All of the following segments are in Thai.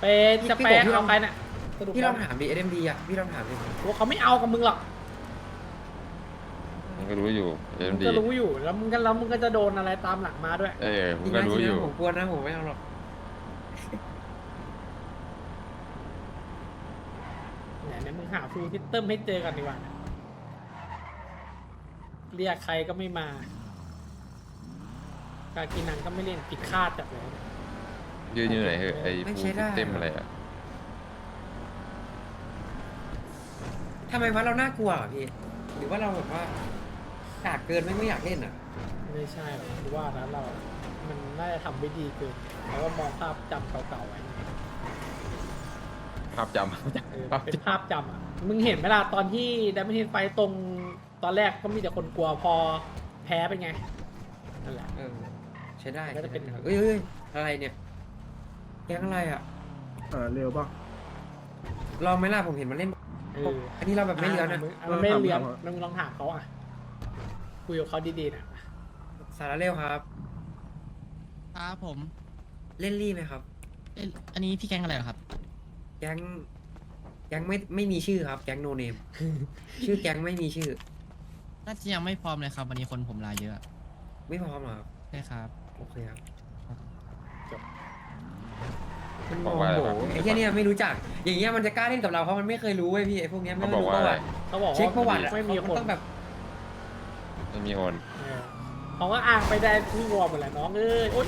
ไปจะไปเอาไปน่ะสรุปพี่ลองถามดิ SMD อ่ะพี่ลองถามดิว่าเขาไม่เอากับมึงหรอกมันก็รู้อยู่เอ็มึมงดีก็รู้อยู่แล้วมึงก็จะโดนอะไรตามหลังมาด้วยผมก็รู้อยู่ผมกลัวนะผมไม่เอาหรอกเนี่ยมึงหาฟูลซิสเต็มให้เจอกันดีกว่านะเรียกใครก็ไม่มาการกินนังก็ไม่เล่นผิดคาดจัดเลยยืนอยู่ไหนเหอะไอ้ฟูลเต็มอะไรอ่ะทำไมวะเราน่ากลัวเหรอพี่หรือว่าเราแบบว่ากากเกินไม่อยากเล่นอ่ะไม่ใช่หรอกคือว่านะเรามันน่าจะทำไม่ดีเกินแล้วก็มองภาพจำเก่าๆไว้ภาพจำเป็นภาพจำอ่ะมึงเห็นไหมล่ะตอนที่ดัมเบิลเฮดไฟตรงตอนแรกก็มีแต่คนกลัวพอแพ้เป็นไงนั่นแหละใช้ได้ก็จะเป็นเอ้ยอะไรเนี่ยแก๊งอะไรอ่ะเร็วป่ะลองไหมล่ะผมเห็นมันเล่น อันนี้เราแบบไม่เลี้ยวนะมันไม่เลี้ยวถามมึงลองถามเขาอ่ะคุยกับเขาดีๆนะสาระเร็วครับครับผมเล่นรี่ไหมครับอันนี้พี่แก๊งอะไรเหรอครับแก๊งไม่มีชื่อครับ แก๊งโนเนม ชื่อแก๊งไม่มีชื่อน่าจะยังไม่พร้อมเลยครับ วันนี้คนผมลาเยอะไม่พร้อมเหรอครับใช่ครับโอเคครับมันบอกว่าอะไรโอ้บ้างโหไอ้เหี้ยเนี่ยไม่รู้จัก อย่างเงี้ยมันจะกล้าเล่นกับเราเพราะมันไม่เคยรู้เว้ยพี่ไอ้พวกเนี้ยไม่เขาบอกรู้ว่าประอะไรวัติเขาบอกเช็คประวัว่าติอะไม่มีมันคนต้องแบบไม่มีคนเขาก็อ้างไปได้ที่วอร์มหมดแหละน้องเอ้ยโอ๊ย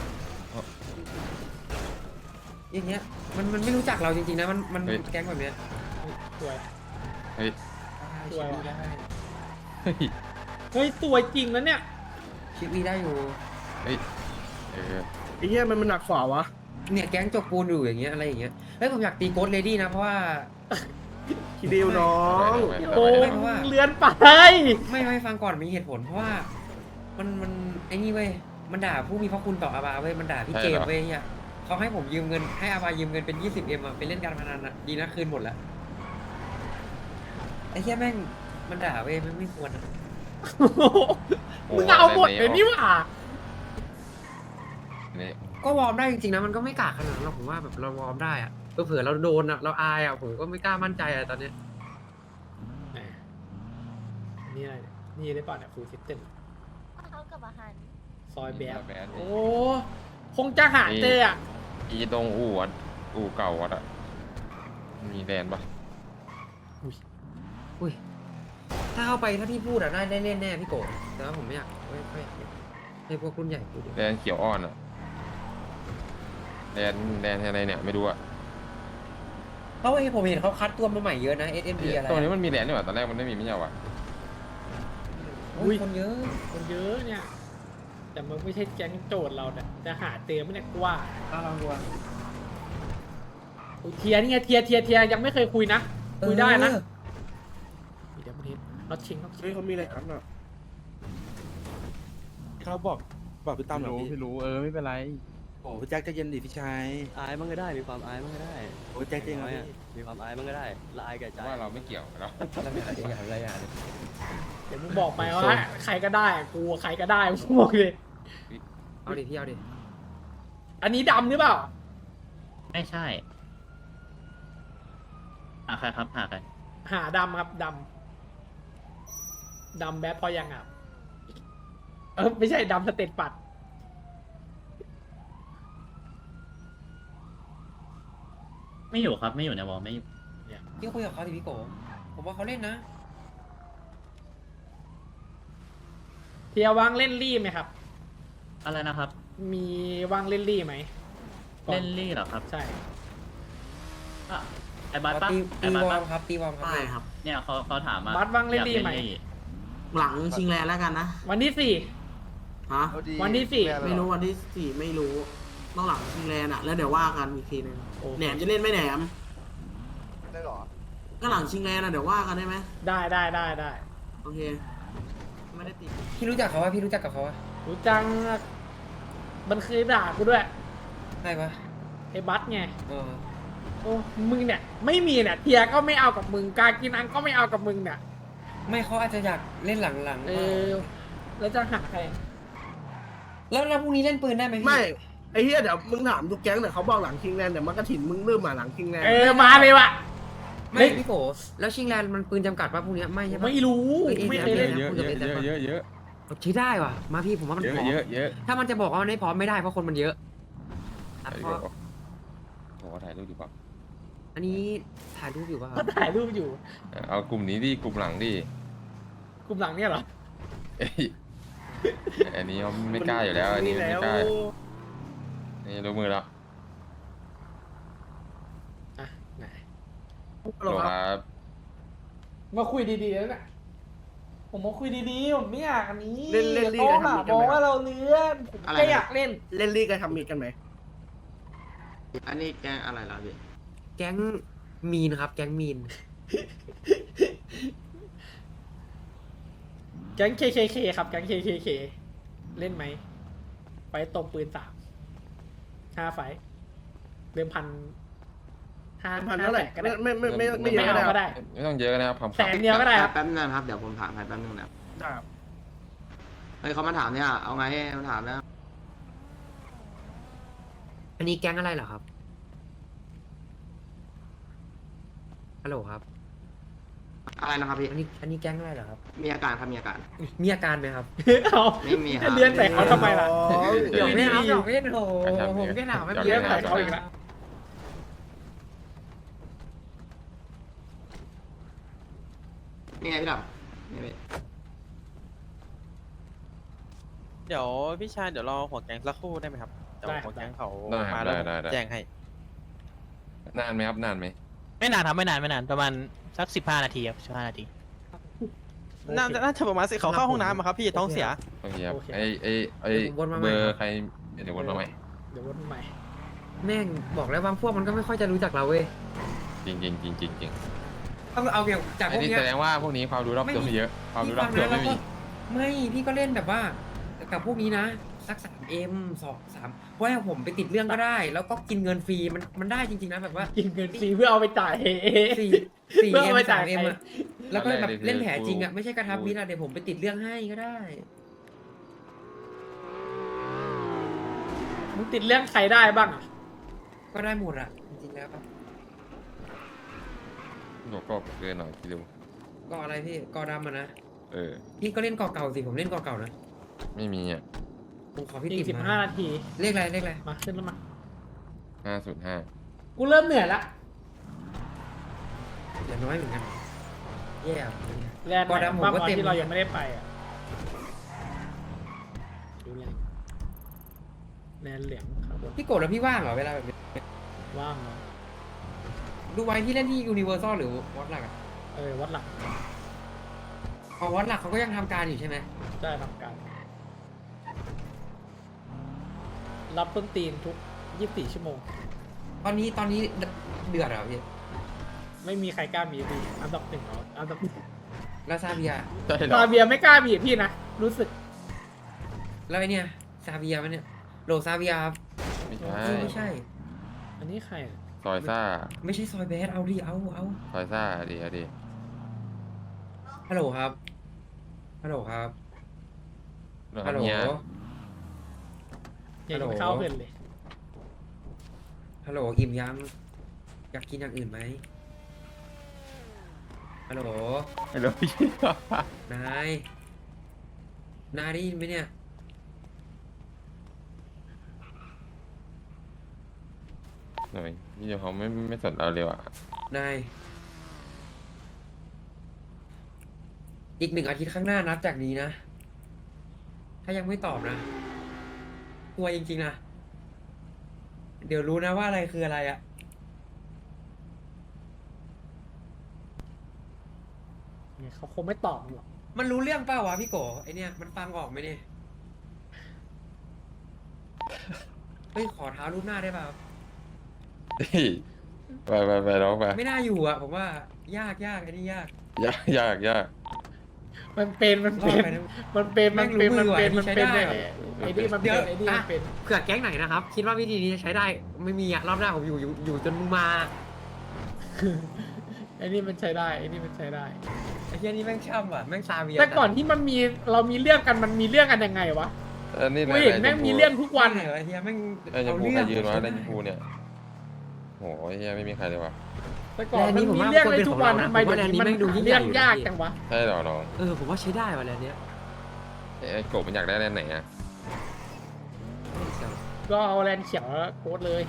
อย่างเงี้ยมันไม่รู้จักเราจริงๆนะมันแก๊งแบบเนี้ยสวยเฮ้ยสวยว่ะได้เฮ้ยเฮ้ยสวยจริงนะเนี่ยชิควีได้อยู่เฮ้ยเออไอ้เหี้ยมันหนักฝ่าวะเนี่ยแก๊งจกปูนอยู่อย่างเงี้ยอะไรอย่างเงี้ยเฮ้ยผมอยากตีโกดเลดี้นะเพราะว่าคิดเดียวน้องโอ้ไม่เพราะว่าเลือนไปไม่ฟังก่อนมีเหตุผลเพราะว่ามันไอ้นี่เว้ยมันด่าผู้มีพระคุณต่ออาบาเว้ยมันด่าพี่เจมส์เว้ยเฮียเขาให้ผมยืมเงินให้อาบายืมเงินเป็น 20M อะไปเล่นการพนันอะดีนะคืนหมดแล้วไอ้เฮียแม่งมันด่าเว้ยไม่ควรอะมึงเอาหมดเลยนี่หว่านี่ก็วอร์มได้จริงๆนะมันก็ไม่กล้าขนาดนั้นหรอกผมว่าแบบเราวอร์มได้อะเผื่อเราโดนอะเราอายอะผมก็ไม่กล้ามั่นใจอะตอนเนี้ยแหมนี่อะไรเนี่ยนี่ได้ป่ะเนี่ยฟูลซิสเต็มเขากับอาหารซอยแบบแบดโอ้คงจะหาเจออ่ะอีตรงอู่วัดอู่เก่าวัดอ่ะมีแดนปะอุ้ยถ้าเข้าไปถ้าพี่พูดอะได้เล่นแน่พี่โกะแต่ว่าผมไม่อยากไม่อยากให้พวกรุ่นใหญ่พูดแดนเขียวอ่อนอ่ะแดนอะไรเนี่ยไม่รู้อ่ะเพราะว่าผมเห็นเขาคัดตัวมาใหม่เยอะนะ SMD อะไรตรงนี้มันมีแดนนี่หว่าตอนแรกมันไม่มีไม่ใช่หรออุ้ยคนเยอะคนเยอะเนี่ย แต่มันไม่ใช่แก๊งโจทย์เราเนี่ยจะหาเจอไหมเนี่ยกูว่าลองดูอะอุ๊ยเทียนี่ไงเทียยังไม่เคยคุยนะ คุยได้นะเดี๋ยวมันเห็นน็อตชิงเฮ้ยเขามีอะไรกันอ่ะเขาบอกพี่ตั้มหน่อยพี่รู้ไม่เป็นไรโอ้พี่แจ็คใจะเย็นดิพี่ชายอายมันก็ได้มีความอายมันก็ได้โอ้แจ็คจริงเหรอน้อยพี่อะมีความอายมันก็ได้ละอายแก่ใจว่าเราไม่เกี่ยวเนาะอะไรอย่างเดี๋ยวมึงบอกไปว่าใครก็ได้กูใครก็ได้มึงบอกเลยเอาดิพี่เอาดิอันนี้ดำหรือเปล่าไม่ใช่หาใครครับหาใครหาดำครับดำแบดพอยังอ่ะไม่ใช่ดำสเตตปัดไม่อยู่ครับไม่อยู่ในวอลไม่อยู่พี่คุยกับเขาดิพี่โกผมว่าเขาเล่นนะเทียว่างเล่นรี่ไหมครับอะไรนะครับมีว่างเล่นรี่ไหมเล่นลี่เหรอครับใช่อ่ะไอ้บัสปะตีไอ้บัสวอปะร์มครับตีวอร์มครับได้ครับเนี่ยเขาถามมาบัสว่างเล่นลี่ไหมหลังชิงแลนแล้วกันนะวันที่สี่ฮะวันที่สี่ไม่รู้วันที่สี่ไม่รู้ต้องหลังชิงแลนอะแล้วเดี๋ยวว่ากันอีกทีหนึงโอเคแหนมจะเล่นไหมแหนมได้หรอก็หลังชิงแลนอะเดี๋ยวว่ากันได้ไหมได้โอเค ไม่ได้ติดพี่รู้จักเขาวะพี่รู้จักกับเขาวะรู้จังมันเคยด่ากูด้วยใช่ปะไอ้บัสไงเออโอ้มึงเนี่ยไม่มีเนี่ยเทียก็ไม่เอากับมึงการกินอังก็ไม่เอากับมึงเนี่ยไม่เขาอาจจะอยากเล่นหลังๆเออแล้วจะหาใครแล้วพรุ่งนี้เล่นปืนได้ไหมพี่ไม่ไอ้เหี้ยเดี๋ยวมึงถามทุกแก๊งเดี๋ยวเขาบอกหลังคิงแลนด์เดี๋ยวมันก็ถิ่นมึงเริ่มมาหลังคิงแลนด์มาเลยว่ะไม่พี่โกแล้วชิงแลนด์มันปืนจำกัดป่ะพวกเนี้ยไม่ใช่ปะไม่รู้ ไม่เคยเล่นเยอะเยอะเยอะเยอะเยอะใช้ได้ว่ะมาพี่ผมว่ามันเยพร้ออะมเยอะเยอะถ้ามันจะบอกว่ามันไม่พร้อมไม่ได้เพราะคนมันเยอะอ่ะถ่ายเพรูราะปโอ้ถ่ายรูปดีกว่าอันนี้ถ่ายรูปอยู่ป่ะคก็รับถ่ายรูปอยู่เอากลุ่มนี้ดิกลุ่มหลังดิกลุ่มหลังเนี่ยเหรอเอ้ยอันนี้เขาไม่กล้าอยู่แล้ว อันนี้ไม่กล้านี่รู้มือแล้วอ่ะไหนโหลครับมาคุยดีๆแล้วน่ะผมมาคุยดีๆผมไม่อยากอันนี้เล่นลีโต๊ะกันอะทำมีดบกันอกไหมว่าเราเลื้อนผมแค่อยากเล่นเล่นลีกันทำมีดกันไหมอันนี้แกงอะไรล่ะพี่แก๊งมีนครับ แก๊งมีนแก๊ง KKK ครับแก๊ง KKK เล่นไหมไฟตรงปืน5 ไฟเดิมพัน5 พันเท่าไหร่ก็ได้ไม่เยไม่อะเอานะก็ได้ไม่ต้องเยอะนะครับแสนเดียวก็ได้ครับแป๊บนึงครับเดี๋ยวผมถามให้แป๊บนึงนะครับเฮ้ยเขามาถามเนี่ยเอาไงมาถามนะอันนี้แก๊งอะไรเหรอครับฮัลโหลครับอะไรนะครับพี่อันนี้แก๊งอะไรเหรอครับมีอาการครับมีอาการมีอาการไหมครับเอาไม่มีครับเลี้ยนใส่เขาทำไมล่ะเดี๋ยวไม่ครับเดี๋ยวไม่โอ้ผมแค่ถามไม่เลี้ยนเป็นใส่ไรเขาอีกแล้วนี่ไงพี่ดำนี่พี่เดี๋ยวพี่ชายเดี๋ยวรอหัวแก๊งสักครู่ได้ไหมครับเดี๋ยวหัวแก๊งเขาได้คมารับแล้วได้แจ้งให้นานไหมครับนานไหมไม่นานครับไม่นานประมาณสัก15 นาทีครับ15 นาทีน่าจะประมาณสิเขาเข้าห้องน้ำอะครับพี่ท้องเสียโอเคครับไอเบอร์ใครเดี๋ยววนมาใหม่เดี๋ยววนมาใหม่แม่งบอกแล้วบางพวกมันก็ไม่ค่อยจะรู้จักเราเว้ยจริงจริงจริงจริงจริงต้องเอาเกี่ยวจากพอันวกนี้เนี้ยแสดงว่าพวกนี้ความรู้รอบตัวไม่เยอะ ความรู้รอบตัวไม่มีไม่พี่ก็เล่นแบบว่ากับพวกนี้นะสัก3M 2 3เพราะว่าผมไปติดเรื่องก็ได้ แล้วก็กินเงินฟรีมันได้จริงๆนะแบบว่ากินเงินฟรีเพื่อเอาไปจ่าย 4 เพื่อเอาไป 4M จ่าย 3M ใครอะแล้วก็แบบเล่นแผลจริงอะไม่ใช่กระทับมิตรอะเดี๋ยวผมไปติดเรื่องให้ก็ได้มึงติดเรื่องใครได้บ้างอะก็ได้หมดอะจริงๆแล้วหนูก็เกินหน่อยคิดดูก็อะไรพี่กอดำอะนะเออพี่ก็เล่นกอเก่าสิผมเล่นกอเก่านะไม่มีอ่ะผมขอพี่อีติ๋กม 15 นาทีเลขอะไรมาขึ้นแล้วมา 505 กูเริ่มเหนื่อยละอย่าน้อยเหมือนกันแย่อะแลนด์กอไหนดำผมบ้างก็วะเต็มที่เรายังไม่ได้ไปอ่ะดูแลนด์เหลืองครับผมพี่โกรธแล้วพี่ว่างเหรอเวลาแบบนี้ว่างเนาะดูไว้พี่เล่นที่ยูนิเวอร์แซลหรือวอตหลักอะวัดหลักอ๋อวอตหลักเขาก็ยังทำการอยู่ใช่ไหมได้ทำการ รับต้นตีนทุก 24 ชั่วโมงตอนนี้เดือดเหรอพี่ไม่มีใครกล้าบีบพี่อันดับหนึ่งเอาอันดับหนึ่งแล้วซาเบียใช่เหรอซาเบียไม่กล้าบีบพี่นะ รู้สึกแล้วไอเนี่ยซาเบียมันเนี่ยโหลซาเบียครับไม่ใช่ไม่ใช่อันนี้ใครอะซอยซ่าไม่ใช่ซอยแบดเอาดิเอาซอยซ่าดีดีฮัลโหลครับฮัลโหลครับเรื่องฮัลโหลเนี้ยอย่าฮัลโหลไปเข้าเพื่อนเลยฮัลโหลอิ่มยังอยากกินอย่างอื่นไหมฮัลโหลไม่รู้พี่นายได้ยินไหมเนี่ยหน่อยพี่เขาไม่สนเราเลยว่ะนายอีก1 อาทิตย์ข้างหน้านับจากนี้นะ ถ้ายังไม่ตอบนะกลัวจริงๆนะ เดี๋ยวรู้นะว่าอะไรคืออะไรอะเนี่ยเขาคงไม่ตอบหรอกมันรู้เรื่องเปล่าวะพี่โกไอเนี่ยมันฟังออกไหมเนี่ยเฮ้ยขอเท้ารูปหน้าได้ป่ะครับเฮ้ยไปร้องไปไม่น่าอยู่อะผมว่ายากไอ้นี่ยากยากมันเป็นรอดไปนะมันเป็นไอ้นี่มันเป็นเดี๋ยวไอ้นี่มันเป็นเผื่อแก๊งไหนนะครับ คิดว่าวิธีนี้จะใช้ได้ไม่มีอะรอบหน้าผมอยู่จนมึงมาไอ้นี่มันใช้ได้ไอ้นี่มันใช้ได้ไอ้เหี้ยนี่แม่งช่ำว่ะแม่งซาเวียแต่ก่อนที่เรามีเรื่องกันมันมีเรื่องกันยังไงวะอันนี้กูเห็นแม่งมีเรื่องทุกวันเหรอไอ้เฮียแม่งไอ้ชมพูเรื่ใครยืนวะใช่ในไหมชมพูเนี่ยโหไอ้เหี้ยไม่มีใครเลยว่ะแต่ก่อนแลนด์นี้มันผมมีว่าเรื่องควรในเป็นทุกของวันเรานะทำไมผมว่าเดี๋ยวนี้แลนด์นี้มันแม่งดูยิ่งใหญ่เรื่องยากอยู่นะจังวะใช่เหรอน้องผมว่าใช้ได้ว่ะแลนด์เนี้ยไอ้กบมันอยากได้แลนด์ไหนอะก็เอาแลนด์เขียวโค้ดเลย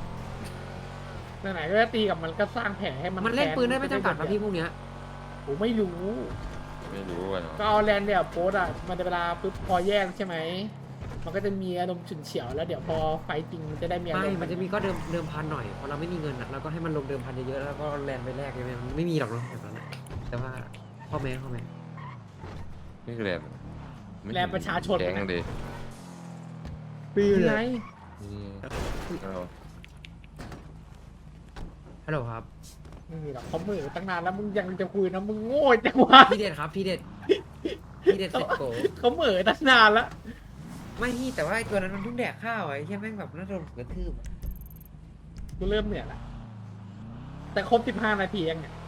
ไหนๆก็จะตีกับมันก็สร้างแผลให้มันมันเล่นปืนได้ไม่จำกัดแนะพี่พวกเนี้ยผมไม่รู้ไม่รู้อะเนาะก็เอาแลนด์เนี่ยโค้ดอ่ะมันจะเวลาปุ๊บพอแยกใช่ไหมมันก็จะมีอารมณ์ฉุนเฉียวแล้วเดี๋ยวพอไฟจริงมันจะได้มีอารไม่มณ์มันจะมีก็เดิมพันหน่อยพอเราไม่มีเงินอ่ะเราก็ให้มันลงเดิมพันเยอะๆแล้วก็แลนด์ไปแลกใช่ไหมมันไม่มีหรอกเนาะแบบนั้นอะแต่ว่าพ่อแม่นี่คือแลนด์ไม่แลนด์ประชาชนแก๊งดินี่ไงนี่เอาฮัลโหลครับไม่มีหรอกเขาเหมือตั้งนานแล้วมึงยังจะคุยนะมึงโง่จังวะพี่เด็ดครับพี่เด็ดพี่เด็ดเสร็จโกเขาเหมือตั้งนานแล้วไม่พี่แต่ว่าไอ้ตัวนั้นมันเพิ่งแดกข้าวไอ้เหี้ยแม่งแบบน่าโดนกระทืบกูเริ่มเหนื่อยละแต่ครบ15 นาทียังเนี่ย